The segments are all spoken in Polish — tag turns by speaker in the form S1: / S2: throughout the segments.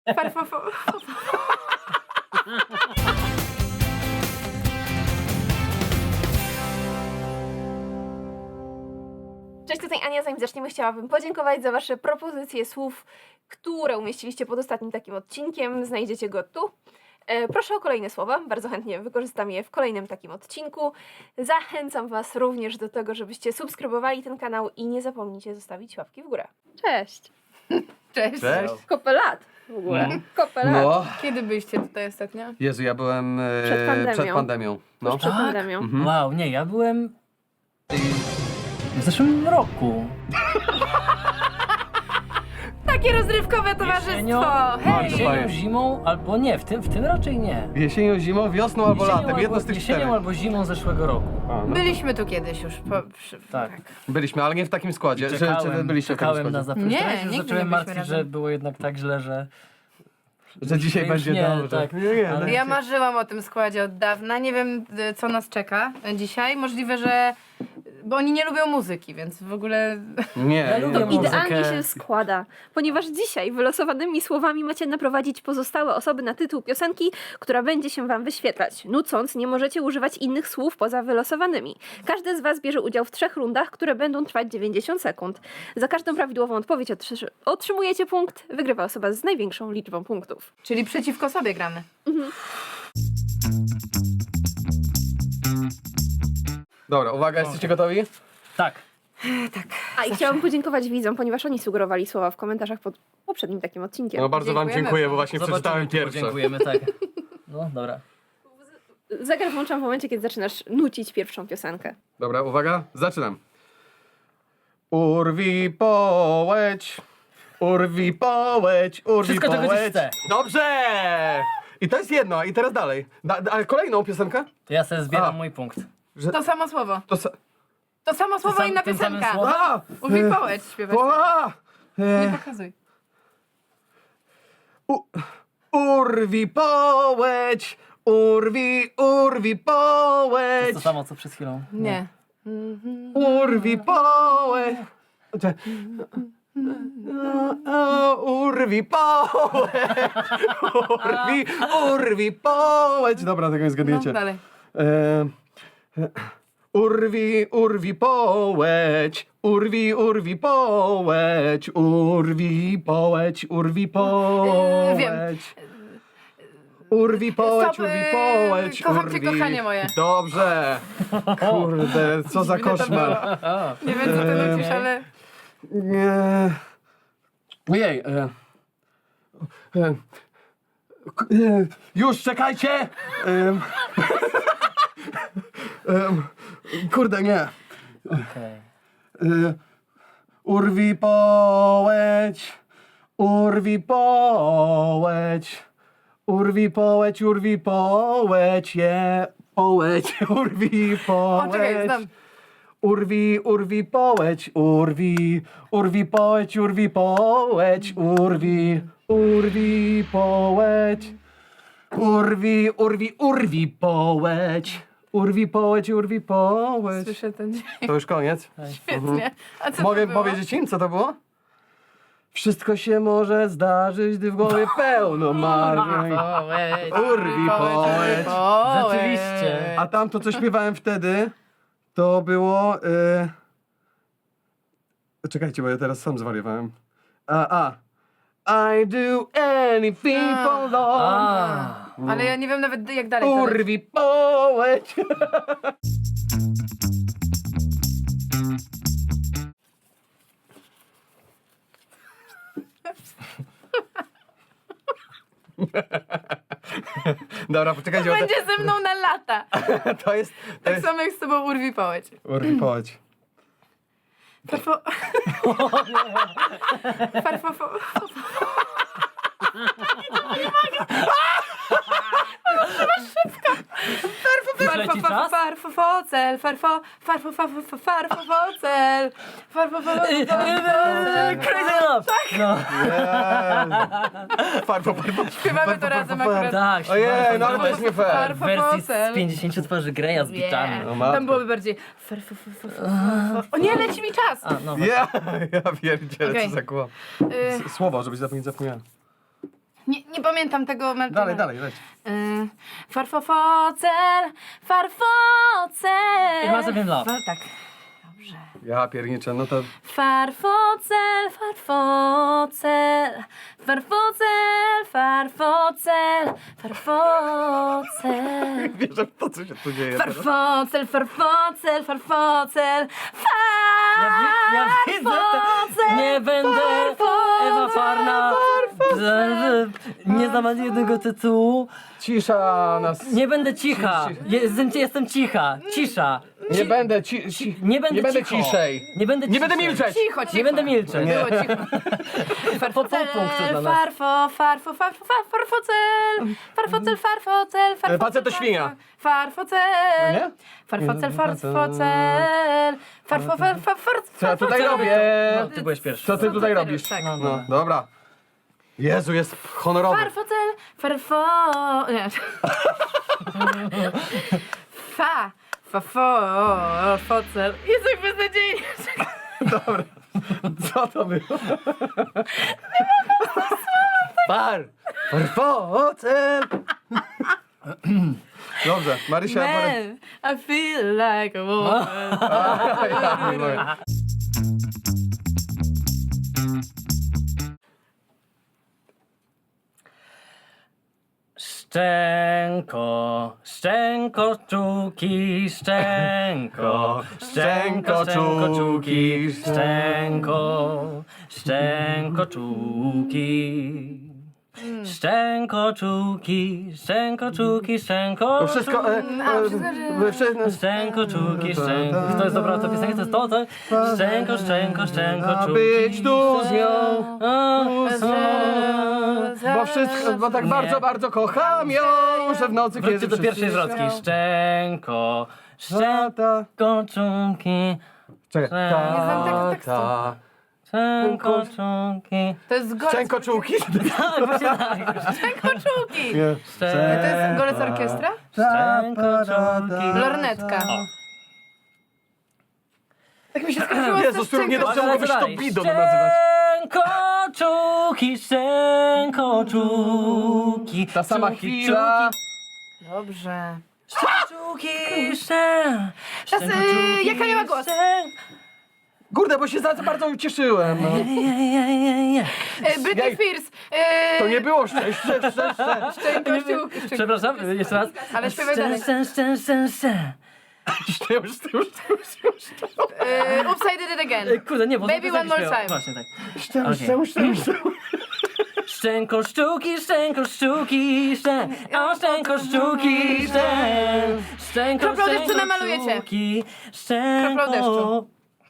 S1: Cześć, tutaj Ania. Zanim zaczniemy, chciałabym podziękować za wasze propozycje słów, które umieściliście pod ostatnim takim odcinkiem. Znajdziecie go tu. Proszę o kolejne słowa, bardzo chętnie wykorzystam je w kolejnym takim odcinku. Zachęcam was również do tego, żebyście subskrybowali ten kanał i nie zapomnijcie zostawić łapki w górę. Cześć!
S2: Cześć.
S3: Cześć.
S1: Kopę lat w ogóle. Kopę lat.
S3: No,
S2: Kiedy byliście tutaj ostatnio?
S3: Jezu, ja byłem
S1: Przed pandemią.
S3: No.
S1: Przed pandemią.
S3: Mhm.
S4: Wow, nie, ja byłem w zeszłym roku.
S2: Takie rozrywkowe towarzystwo! Hej!
S4: Jesienią, zimą, albo nie, w tym raczej nie.
S3: Jesienią, zimą, wiosną albo latem, jedno z tych
S4: Jesienią
S3: czterech.
S4: albo zimą zeszłego roku.
S3: A, no.
S2: Byliśmy tu kiedyś już.
S4: Tak.
S3: Byliśmy, ale nie w takim składzie. Czy wy byliście w takim
S4: czekałem na
S3: składzie?
S4: zaproszenie.
S2: Nie,
S4: Już
S2: nigdy
S4: zacząłem
S2: nie byliśmy
S4: martwić,
S2: razem.
S4: że było jednak tak źle, że
S3: Że dzisiaj
S4: już
S3: będzie
S4: nie,
S3: dobrze.
S4: tak.
S3: Nie,
S4: Ale-
S2: Ja marzyłam o tym składzie od dawna. Nie wiem, co nas czeka dzisiaj. Możliwe, że... Bo oni nie lubią muzyki, więc w ogóle...
S3: nie,
S4: Ja lubię
S3: nie.
S4: muzykę.
S1: Idealnie się składa, ponieważ dzisiaj wylosowanymi słowami macie naprowadzić pozostałe osoby na tytuł piosenki, która będzie się wam wyświetlać. Nucąc, nie możecie używać innych słów poza wylosowanymi. Każdy z was bierze udział w 3 rundach, które będą trwać 90 sekund. Za każdą prawidłową odpowiedź otrzymujecie punkt. Wygrywa osoba z największą liczbą punktów.
S2: Czyli przeciwko sobie gramy.
S3: Dobra, uwaga, jesteście gotowi?
S4: tak.
S1: A i chciałam podziękować widzom, ponieważ oni sugerowali słowa w komentarzach pod poprzednim takim odcinkiem.
S3: No bardzo wam
S2: Dziękujemy.
S3: dziękuję, bo właśnie przeczytałem
S4: Zobaczymy,
S3: pierwsze.
S4: Dziękujemy, tak. No, dobra.
S1: Zegar włączam w momencie, kiedy zaczynasz nucić pierwszą piosenkę.
S3: Dobra, uwaga, zaczynam. Urwi połeć, urwi połeć, urwi
S4: Wszystko, czego ci
S3: połeć.
S4: chcę.
S3: Dobrze! I to jest jedno, i teraz dalej. Ale kolejną piosenkę?
S4: To ja sobie zbieram
S3: A.
S4: mój punkt.
S2: To samo słowo.
S3: To
S2: To samo słowo, inna
S4: tym samym
S2: piosenka.
S4: słowem?
S3: A!
S2: Uwij połeć śpiewać. Nie pokazuj.
S3: Urwi połeć, urwi
S4: To
S3: połeć,
S4: jest to samo, co przed chwilą.
S2: Nie.
S3: urwi połeć. Urwi połeć, urwi połeć. Dobra, tego nie
S2: No,
S3: zgadniecie.
S2: dalej.
S3: Urwi połeć, urwi połeć, urwi połeć, urwi
S2: Wiem.
S3: połeć. Urwi połeć,
S2: Stop,
S3: urwi połeć,
S2: kocham cię,
S3: urwi.
S2: kochanie moje.
S3: Dobrze. Kurde, co za
S2: Dziwne to
S3: koszmar.
S2: Nie wiem, co ty nucisz, ale...
S3: Nie. Ojej. Już, czekajcie. Kurde, nie.
S4: Okej.
S3: Urwi połeć, urwi połeć, urwi połeć, urwi połeć, je połeć, urwi
S2: O, czekaj,
S3: połeć.
S2: znam.
S3: Urwi połeć, urwi połeć, urwi połeć, urwi połeć, urwi połeć, urwi połeć, urwi połeć.
S2: Słyszę ten dźwięk.
S3: To już koniec?
S2: Świetnie. A co
S3: Mogę
S2: to było?
S3: powiedzieć im, co to było? Wszystko się może zdarzyć, gdy w głowie pełno marzeń. Urwi połeć.
S4: Rzeczywiście.
S3: A tamto, co śpiewałem wtedy, to było... Czekajcie, bo ja teraz sam zwariowałem. I do anything for love.
S2: Ale ja nie wiem nawet jak dalej to leci.
S3: Urwi połeć. Dobra, poczekajcie, bo
S2: Będzie ze mną na lata.
S3: to jest...
S2: Tak samo jak z tobą urwi połeć.
S3: Urwi połeć.
S2: Farfo... Farfo...
S4: Już leci czas?
S2: Farfocel, farfocel,
S4: Crazy Love! No,
S3: Farfo.
S2: Śpiewamy to razem akurat.
S4: tak.
S3: Ojej, no ale to jest nie fair.
S4: W wersji z 50 twarzy Greya z bitami.
S2: Nie,
S3: No matko.
S2: tam byłoby bardziej O nie, leci mi czas!
S4: A, no,
S3: Ja pierdzielę,
S2: Okej.
S3: co za kłam.
S2: Y,
S3: Słowo, żebyś nie zapomniała.
S2: Nie pamiętam tego melodii.
S3: Dalej, leć.
S2: Farfocel, farfocel.
S4: It must have been love.
S2: Tak. Dobrze.
S3: Ja pierniczę, no to...
S2: Farfocel, farfocel, farfocel, farfocel, farfocel.
S3: Wierzę w to, co się tu dzieje teraz.
S2: Farfocel, farfocel, farfocel,
S4: Ja widzę to. Nie będę Ewa Farna. Nie znam ani jednego tytułu.
S3: Cisza nas...
S4: Nie będę cicha. Jestem cicha. Cisza.
S3: Nie będę
S4: Nie będę cicho.
S3: ciszej.
S4: Nie będę
S3: Nie będę
S4: ciszej.
S3: milczeć.
S2: Cicho.
S4: Nie będę milczeć.
S2: Było cicho.
S4: Po pół punktu dla nas.
S2: Farfocel, farfocel, farfocel.
S3: Facet to świnia.
S2: Farfocel.
S3: Nie?
S2: Farfocel, farfocel.
S3: Co ja tutaj robię?
S4: No, ty byłeś pierwszy.
S3: Co ty tutaj robisz?
S2: Tak.
S3: No, dobra. Jezu, jest honorowy.
S2: Farfocel, nie. Focel. Jest jak beznadziejnie.
S3: Dobra. Co to było? Farfocel. Dobrze, Marysia.
S2: Man, I feel like a woman.
S4: Szczęko, szczęko, czuki, szczęko, szczęko, czuki, szczęko, szczęko, czuki. Szczęko, czuki, szczęko, czuki, szczęko,
S3: To wszystko...
S4: Szczęko, czuki, szczęko. To jest dobra ta piosenka, to jest to, tak? Szczęko, szczęko, szczęko, czuki.
S3: Być tu z nią.
S4: A,
S3: Bo wszystko, bo tak
S4: Nie.
S3: bardzo, bardzo kocham ją, że w nocy
S4: Wróćcie
S3: kiedy
S4: do pierwszej zwrotki. Szczęko,
S3: Ta.
S4: szczęko, czuki,
S3: Czekaj.
S2: Nie znam tego tekstu.
S4: szczęko, czuki.
S2: To jest golec.
S3: Szczękoczułki?
S4: Tak, właśnie tak.
S2: Szczękoczułki.
S3: Nie.
S2: To jest golec orkiestra?
S4: Szczęko, czuki.
S2: Lornetka.
S4: O.
S2: Tak mi się skończyło
S3: Jezus, który nie dobrze mówisz, to
S4: Dalej.
S3: bidon nazywać.
S4: Szczęko, czuki.
S3: Ta sama
S4: czuki,
S3: chwila.
S2: Dobrze.
S4: Czuki,
S2: Teraz, jaka miała głos?
S3: Kurde, bo się za bardzo ucieszyłem. No.
S2: Britney
S3: Jej.
S2: Spears.
S3: To nie było szczęście.
S2: Szczękoczułki.
S4: Przepraszam, jeszcze raz.
S2: Ale śpiewaj dalej. Oops, I did it again.
S4: Kurde, nie, bo
S2: Baby,
S4: to
S2: one more
S4: śpiewa.
S2: time.
S4: Właśnie tak.
S3: Szczęście.
S4: Szczęko, szczuki, szczęko, szczuki, szczęko, szczuki, szczęko,
S2: Kroplą deszczu namalujecie.
S4: szczuki,
S2: Kroplą deszczu.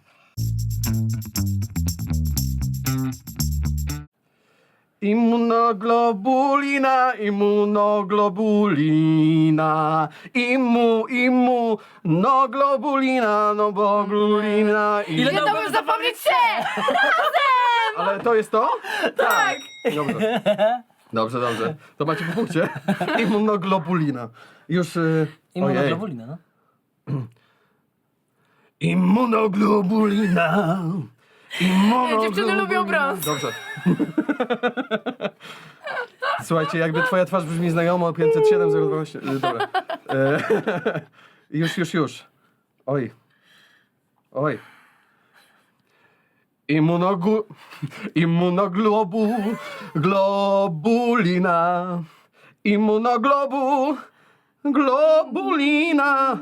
S3: Immunoglobulina, immunoglobulina, immunoglobulina, no bo glulina.
S4: Ile
S2: Nie
S4: dał-
S2: dałbym zapomnieć się!
S3: Ale to jest to? Tak. Dobrze. Dobrze. To macie po punkcie. Immunoglobulina. Już... ojej.
S4: Immunoglobulina, no.
S3: Immunoglobulina.
S2: Dziewczyny lubią brąz.
S3: Dobrze. Słuchajcie, jakby twoja twarz brzmi znajomo, 507 012. Dobra. Już. Oj. Globulina. Globulina.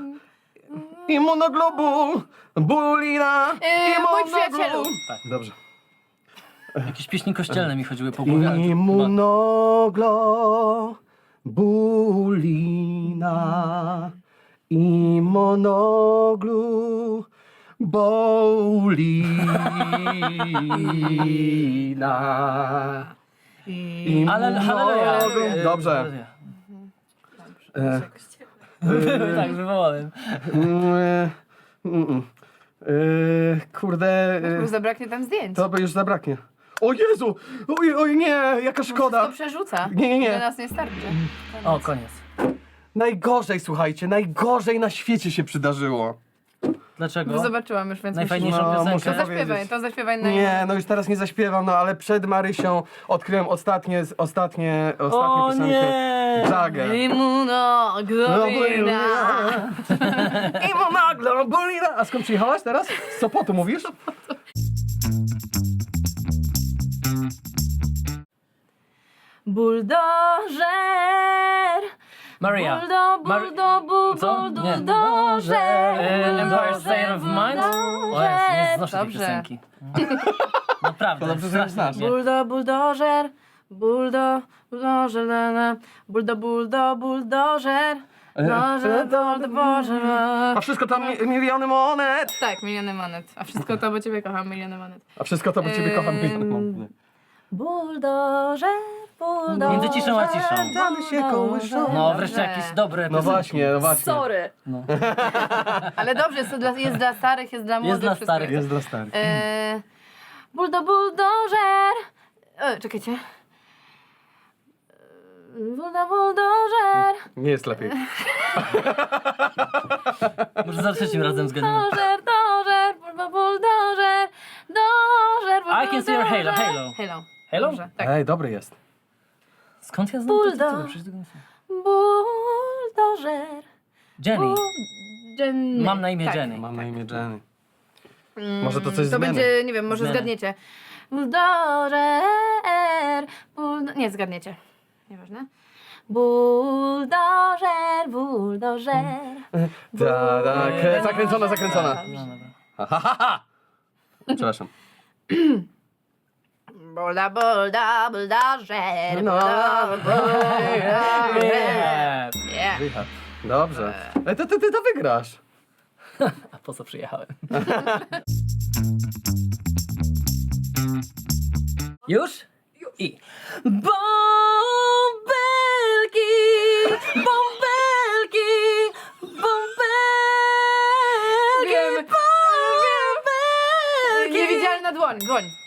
S3: Immunoglobulina.
S2: Mój przyjacielu.
S4: Tak.
S3: Dobrze.
S4: Jakieś pieśni kościelne mi chodziły po głowie. ale to chyba-
S3: Immunoglobulina. Immunoglobulina.
S4: Ale halleluja.
S3: Dobrze.
S4: Tak, wywołałem.
S3: Kurde,
S2: Już zabraknie tam zdjęć.
S3: to by już zabraknie. O Jezu! Oj, nie, jaka
S2: To
S3: szkoda.
S2: przerzuca.
S3: Nie.
S2: Do nas nie starczy.
S4: O, koniec.
S3: Najgorzej, słuchajcie, najgorzej na świecie się przydarzyło.
S4: Dlaczego?
S2: Zobaczyłam już, więc
S4: Najfajniejszą
S3: No,
S4: piosenkę.
S3: muszę
S2: To zaśpiewaj,
S3: powiedzieć.
S2: to zaśpiewaj na
S3: Nie, no już teraz nie zaśpiewam, no ale przed Marysią odkryłem ostatnie
S4: O
S3: piosenkę.
S4: nie!
S3: Jagger.
S2: Immunoglobulina.
S3: Immunoglobulina. A skąd przyjechałaś teraz? Z Sopotu mówisz?
S2: Buldożer.
S4: Maria. Co? Nie.
S2: Buldożer.
S4: Empire State of Mind? O jest, nie znoszę tej
S2: Dobrze.
S4: piosenki. Naprawdę,
S3: To dobrze, że
S4: strasznie.
S3: znasz.
S2: Buldożer. Buldożer. Buldożer. Boże.
S3: A wszystko tam miliony monet.
S2: Tak, miliony monet. A wszystko to, bo ciebie kocham, miliony monet.
S3: A wszystko to, bo ciebie kocham miliony monet.
S2: Buldożer.
S4: Między ciszą a ciszą.
S3: Damy się kołyszą.
S4: No wreszcie jakieś dobre
S3: No
S4: piosenki.
S3: właśnie, no właśnie.
S1: Sorry.
S4: No.
S2: Ale dobrze, jest dla starych, jest dla młodych.
S4: dla
S2: wszystko
S4: starych.
S3: Jest dla starych.
S2: Buldożer. Czekajcie. Buldożer.
S3: Nie jest lepiej.
S4: Może za trzecim razem zgadniemy.
S2: Buldożer.
S4: I can see your halo, halo.
S2: Halo.
S4: Halo?
S2: Dobrze, tak.
S3: Ej, dobry jest.
S4: Skąd ja znam to tytuły? Przecież tego nie znam.
S2: Buldożer.
S4: Jenny.
S2: Jenny.
S4: Mam na imię
S2: Tak.
S4: Jenny.
S3: Mam na imię Jenny. Może to coś z
S2: To
S3: Meny.
S2: będzie, nie wiem, może
S4: Zmiany.
S2: zgadniecie. Buldożer. Nie, zgadniecie. Nieważne. Buldożer.
S3: Tak, zakręcona.
S4: No, dobra.
S3: Przepraszam.
S2: Buldożer.
S3: No.
S4: Nie.
S3: Wyjechał. Dobrze. Ej, ty to wygrasz.
S4: A po co przyjechałem? Już? I. Bąbelki! Bąbelki! Bąbelki!
S2: Wiem.
S4: Bąbelki!
S2: Niewidzialna dłoń.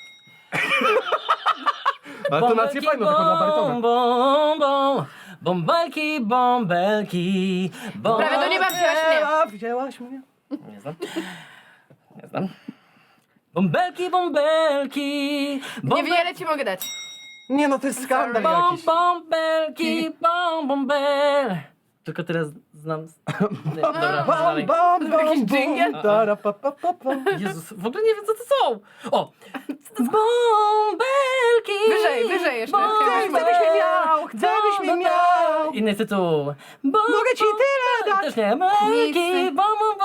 S3: Ale tonację fajną, taką na barytonę.
S4: Bąbelki, bąbelki,
S2: Prawie do nieba wzięłaś mnie.
S3: Wzięłaś mnie?
S4: Nie znam. Nie znam. Bąbelki, bąbelki,
S2: Niewiele ci mogę dać.
S3: Nie no, to jest skandal jakiś.
S4: bąbelki, bąbel. Tylko teraz znam... Nie, dobra, dalej.
S2: Jakiś dżingiel?
S4: Jezus, w ogóle nie wiem co to są. O! Bąbelki!
S2: Wyżej jeszcze.
S3: Gdybyś mnie miał, gdybyś mnie miał.
S4: Inny tytuł.
S3: Mogę ci tyle dać.
S4: Też nie. Bąbelki,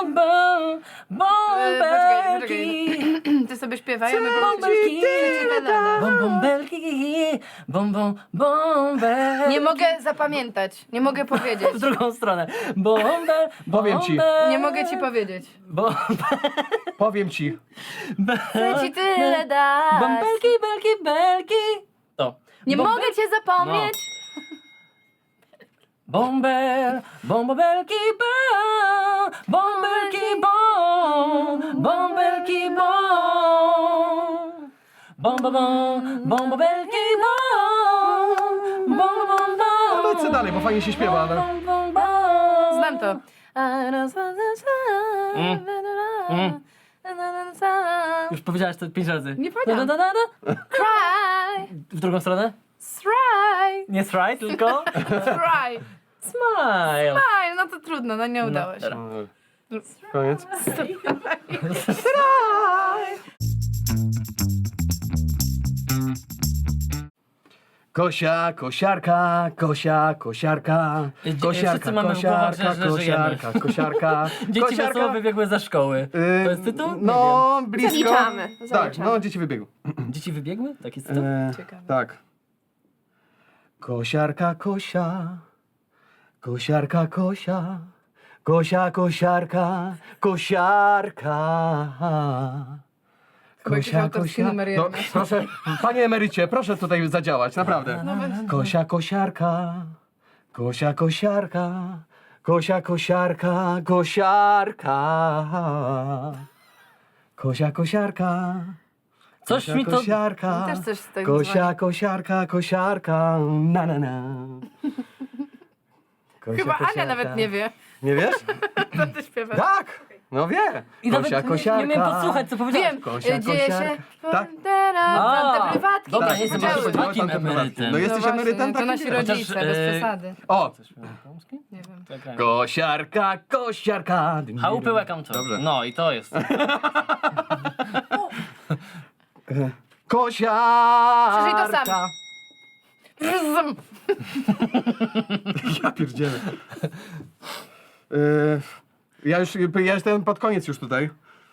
S4: bąbelki.
S2: Ty sobie śpiewaj, a my
S4: Bąbelki, bąbelki, bąbelki.
S2: Nie mogę zapamiętać. Nie mogę powiedzieć.
S4: W drugą stronę. Bąbel,
S3: Powiem ci.
S2: Nie mogę ci powiedzieć.
S3: Powiem ci.
S2: Chcę ci tyle dać.
S4: Bąbelki, belki, belki. To.
S2: Nie mogę cię zapomnieć.
S4: Bąbel, bąbelki, bąbelki, bąbelki, bąbelki,
S3: No lecę dalej, bo fajnie się śpiewa, ale...
S2: Znam to.
S4: Już powiedziałaś to 5 razy.
S2: Nie powiedziałam. Cry,
S4: W drugą stronę?
S2: try,
S4: Nie try, tylko
S2: try.
S4: smile.
S2: Aj, no to trudno, no nie udało się.
S4: dobra.
S3: Koniec. Kosia, kosiarka, kosia, kosiarka, kosiarka,
S4: wszyscy mamy w głowach,
S3: kosiarka,
S4: że żyjemy.
S3: kosiarka, kosiarka,
S4: Dzieci wesoło wybiegły ze szkoły. To jest tytuł? Nie
S3: No, blisko.
S1: Zaliczamy,
S3: Tak,
S1: zaliczamy.
S3: no, dzieci wybiegły.
S4: wiem. Dzieci wybiegły? Taki tytuł?
S2: Ciekawe.
S3: Tak. Kosiarka, kosia, kosiarka, kosia, kosia, kosiarka, kosiarka.
S2: Chyba jakiś autorski numer
S3: No,
S2: jeden.
S3: proszę, panie emerycie, proszę tutaj zadziałać, naprawdę. Kosia, kosiarka, kosia, kosiarka, kosia, kosiarka, kosiarka. Kosia, kosiarka.
S4: Coś
S3: Kosia,
S4: mi to...
S3: kosiarka,
S2: Też coś z tego
S3: kosia,
S2: dzwoni.
S3: kosiarka, kosiarka, na na na. Kosia,
S2: Chyba Ania
S3: kosiarka.
S2: nawet nie wie,
S3: Nie wiesz?
S2: co ty śpiewasz.
S3: Tak! No wie.
S4: I nawet
S3: Kosia,
S4: nie miałem podsłuchać, co powiedziałeś.
S2: Wiem,
S3: Kosia,
S2: dzieje się...
S3: kosiarka. Tak?
S2: Te prywatki.
S4: Dobra,
S2: tak,
S4: nie jestem
S2: podziały.
S4: aż takim emerytem.
S3: No jesteś
S2: właśnie,
S3: emerytem?
S2: To
S3: Tak,
S2: nasi
S3: nie.
S2: rodzice,
S4: Chociaż,
S2: bez przesady.
S3: O!
S2: Nie wiem.
S4: Czekaj.
S3: Kosiarka, kosiarka.
S4: Chałupy welcome to.
S3: Dobrze.
S4: No i to jest.
S3: Kosiarka.
S2: Przeżyj to sam.
S3: Ja pierdzielę. Ja jestem pod koniec już tutaj.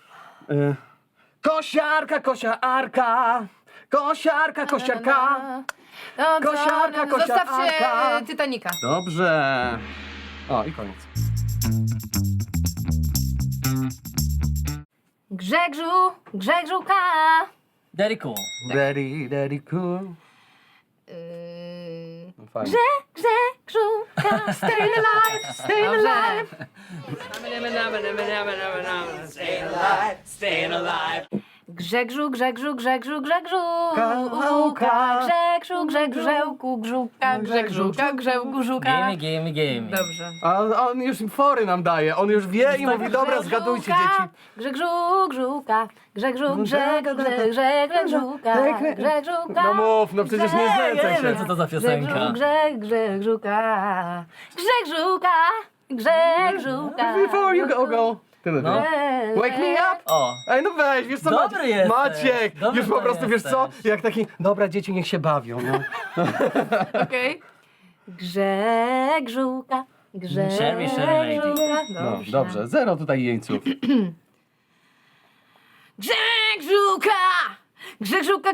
S3: Kosiarka, kosiarka. Kosiarka, kosiarka. Kosiarka, kosiarka.
S2: Zostawcie Titanica.
S3: Dobrze. O, i koniec.
S2: Grzegżuka.
S4: Deriku.
S3: Daddy, cool. No fajnie.
S2: Grzegżuka. Stay alive, stay alive. Grzegżu. Grzegżu, grzuka, grzegżuka, grzegżu, żuka.
S4: Gimme.
S2: Dobrze.
S3: A on już fory nam daje. On już wie i mówi, dobra, zgadujcie dzieci.
S2: Grzegżuka, Grzegżuka.
S3: No mów, no przecież nie znęcaj
S4: Nie wiem,
S3: się.
S4: co to za piosenka.
S2: Grzegżuka.
S3: Before you go. Tyle
S4: No.
S3: wiem. Wake me up.
S4: O.
S3: Ej, no weź, wiesz co,
S4: Dobry jesteś.
S3: Maciek,
S4: Dobry
S3: już po prostu, wiesz co,
S4: jesteś.
S3: jak taki, dobra, dzieci niech się bawią, no.
S2: Okej. Grzegżuka.
S4: Sherry lady.
S3: No, dobrze, zero tutaj jeńców.
S2: Grzegżuka! Grzegżuka.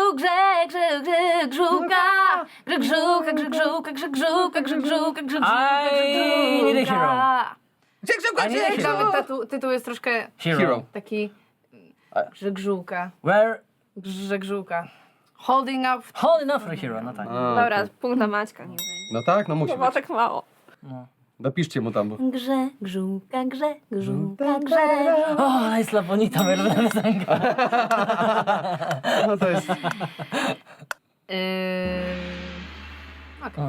S4: I need a hero.
S3: Grzegżuka,
S4: I need a hero.
S2: Nawet tytuł jest troszkę
S3: Hero.
S2: taki Grzegżuka.
S4: Where
S2: Grzegżuka. Holding up.
S4: holding up for a hero, no tak.
S3: A,
S1: Dobra,
S3: okej.
S1: punkt dla Maćka, nie wiem.
S3: No tak, no musi
S1: To było
S3: być.
S1: tak mało.
S4: No.
S3: Dopiszcie mu tam. Bo...
S2: Grzegżuka.
S4: O, jest La Bonita, moja piosenka.
S3: No to jest...
S4: O.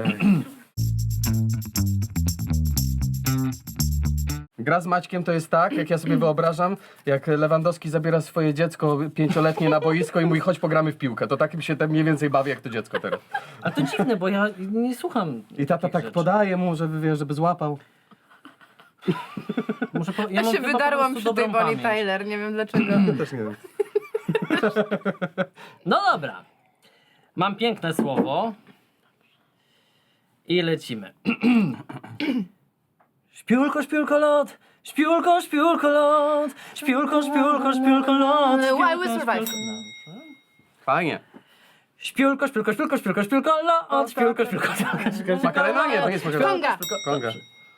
S3: Gra z Maćkiem to jest tak, jak ja sobie wyobrażam, jak Lewandowski zabiera swoje dziecko 5-letnie na boisko i mówi, chodź pogramy w piłkę. To takim się tam mniej więcej bawi jak to dziecko teraz.
S4: A to dziwne, bo ja nie słucham.
S3: I tata
S4: takich
S3: tak
S4: rzeczy.
S3: podaje mu, żeby, wiesz, żeby złapał.
S2: Ja
S4: mam
S2: się
S4: chyba po
S2: wydarłam
S4: prostu
S2: przy tej
S4: dobrą
S2: Bonnie
S4: pamięć.
S2: Tyler, nie wiem dlaczego.
S3: Też nie wiem.
S4: No dobra. Mam piękne słowo. I lecimy. Śpiulko, lot. Śpiulko, lot. Śpiulko, lot.
S2: Why we survive.
S3: Fajnie.
S4: Śpiulko, lot. Śpiulko.
S3: Makarena? Nie, to nie jest makarena.
S2: Konga.
S3: Konga.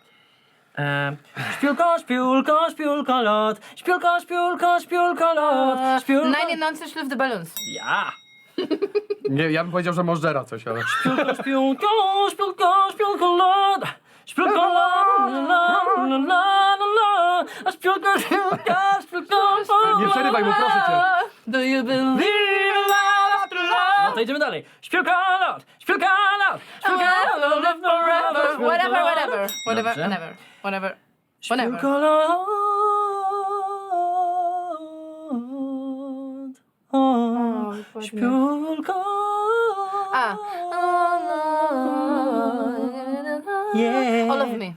S4: Śpiulko, lot. Śpiulko, lot.
S2: Nine Nonsense Live the Balloons.
S4: Ja.
S3: Nie, ja bym powiedział, że możdżera coś, ale...
S4: Śpiulko, lot. Śpiulko, lot. A śpiulko,
S3: Nie przerywaj mu, proszę cię.
S2: Do you believe in love after love?
S4: No to idziemy dalej. Śpiulko, lot. Live forever.
S2: Whatever,
S4: Dobrze.
S2: whatever.
S4: Śpiulko, lot. Śpiulko.
S2: A.
S4: Yeah.
S2: All of me.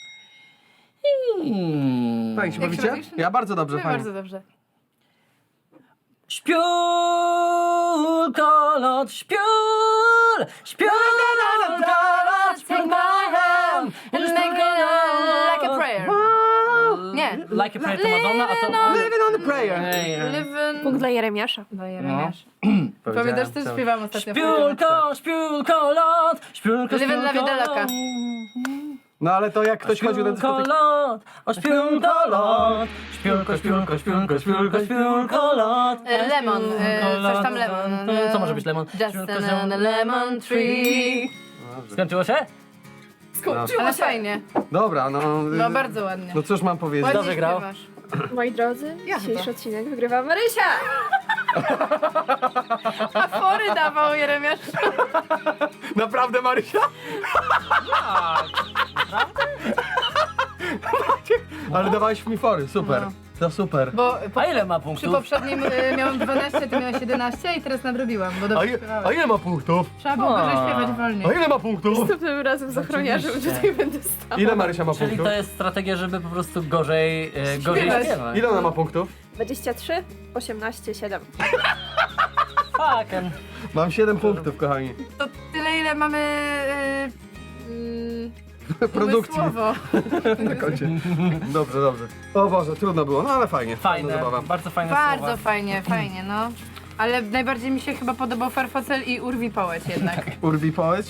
S3: Fajnie się
S2: Jak
S3: bawicie?
S2: robisz?
S3: Ja bardzo dobrze, fajnie.
S2: Bardzo dobrze.
S4: Śpiulko, lot. Śpiulko, lot.
S2: Take my hand and make it like a prayer. Nie.
S4: Like a prayer to Madonna, a to...
S3: Living on the prayer.
S2: Live in...
S1: Punkt dla Jeremiasza.
S2: No, Jeremiasz.
S3: Powiedziałem,
S2: Pamiętasz, co śpiewałam ostatnio?
S4: Śpiulko, lot. Śpiulko,
S2: Live in la vida loca.
S3: No ale to jak ktoś chodził na
S4: Śpiulko,
S3: dyskotekę...
S4: lot. O śpiulko, lot. Śpiulko, lot.
S2: Lemon, coś tam lemon.
S4: Co może być lemon?
S2: Just on a lemon tree.
S4: Skończyło się?
S2: Ale fajnie.
S3: Dobra, no...
S2: No bardzo ładnie.
S3: No cóż mam powiedzieć?
S2: Ładnie
S4: Dobrze grał.
S2: śpiewasz.
S1: Moi drodzy,
S2: Ja
S1: dzisiejszy
S2: chyba.
S1: odcinek wygrywa Marysia!
S2: A fory dawał Jeremiasz.
S3: Naprawdę, Marysia?
S4: Tak. Naprawdę?
S3: Ale dawałeś mi fory, super.
S2: No.
S3: To super.
S2: Bo
S4: A ile ma
S2: przy
S4: punktów?
S2: poprzednim miałem 12, ty miałeś 11 i teraz nadrobiłam, bo dobrze śpiewałem.
S3: ile ma punktów?
S2: Trzeba było gorzej
S4: A.
S2: śpiewać wolniej.
S3: A ile ma punktów?
S1: Następnym razem z ochroniarzem
S4: Oczywiście.
S1: tutaj będę stała.
S3: Ile Marysia ma
S4: Czyli
S3: punktów?
S4: to jest strategia, żeby po prostu gorzej
S2: Śpiewać.
S4: śpiewać.
S3: Ile ona ma punktów?
S1: 23, 18, 7.
S4: Fucking.
S3: Mam 7 punktów, kochani.
S2: To tyle, ile mamy
S3: Produkcji.
S2: umysłowo.
S3: Na koncie. Dobrze, dobrze. O Boże, trudno było, no ale fajnie.
S4: Fajne,
S3: zabawa.
S4: bardzo fajne
S2: Bardzo
S4: słowa.
S2: fajnie, no. Ale najbardziej mi się chyba podobał Farfocel i Urwi Połeć jednak.
S3: Urwi powiedz.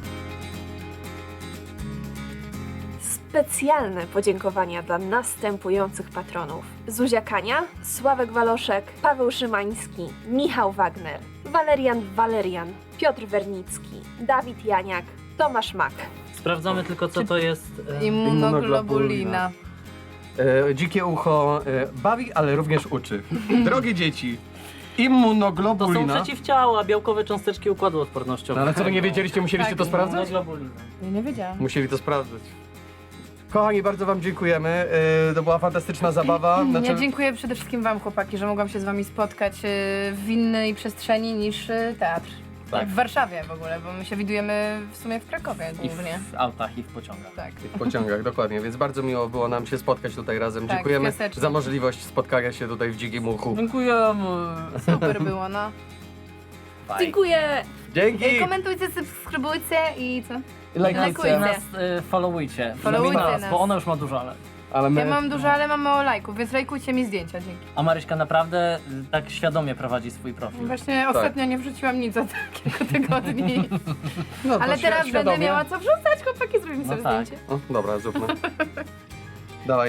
S1: Specjalne podziękowania dla następujących patronów: Zuzia Kania, Sławek Waloszek, Paweł Szymański, Michał Wagner, Walerian, Piotr Wernicki, Dawid Janiak, Tomasz Mak.
S4: Sprawdzamy tylko, co to jest.
S2: Immunoglobulina.
S3: Dzikie ucho bawi, ale również uczy. Drogie dzieci,
S4: To są
S3: immunoglobulina.
S4: przeciwciała, białkowe cząsteczki układu odpornościowego.
S3: No ale co wy nie wiedzieliście, musieliście
S2: Tak,
S3: to sprawdzać?
S4: Immunoglobulina.
S2: Ja nie wiedziałam.
S3: Musieli to sprawdzać. Kochani, bardzo wam dziękujemy. To była fantastyczna zabawa. Znaczy,
S2: Ja dziękuję przede wszystkim wam, chłopaki, że mogłam się z wami spotkać w innej przestrzeni niż teatr.
S4: Tak.
S2: W Warszawie w ogóle, bo my się widujemy w sumie w Krakowie
S4: I
S2: głównie.
S4: w autach, i w pociągach.
S2: Tak.
S3: w pociągach, dokładnie, więc bardzo miło było nam się spotkać tutaj razem.
S2: Tak,
S3: Dziękujemy
S2: piasecznie.
S3: za możliwość spotkania się tutaj w dzikim uchu.
S4: Dziękujemy.
S2: Super było, no.
S4: Bye.
S1: Dziękuję!
S3: Dzięki!
S2: Komentujcie, subskrybujcie i co?
S3: Lajkujcie.
S4: I nas followujcie.
S2: Followujcie
S4: Przynajmniej
S2: nas.
S4: Bo ona już ma dużo, ale...
S3: Ale my...
S2: Ja mam dużo, ale mam mało lajków, więc lajkujcie mi zdjęcia, dzięki.
S4: A Maryśka naprawdę tak świadomie prowadzi swój profil.
S2: Właśnie ostatnio nie wrzuciłam nic od kilku tygodni.
S3: No, to
S2: Ale teraz będę
S3: świadomie.
S2: miała co wrzucać, chłopaki, zrobimy
S4: No
S2: sobie
S4: tak.
S2: zdjęcie.
S3: O, dobra, zróbmy. Dawaj.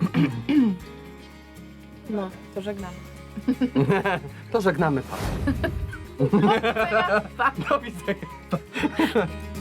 S2: No, to żegnamy.
S3: To żegnamy.
S2: Pa.
S3: Do widzenia.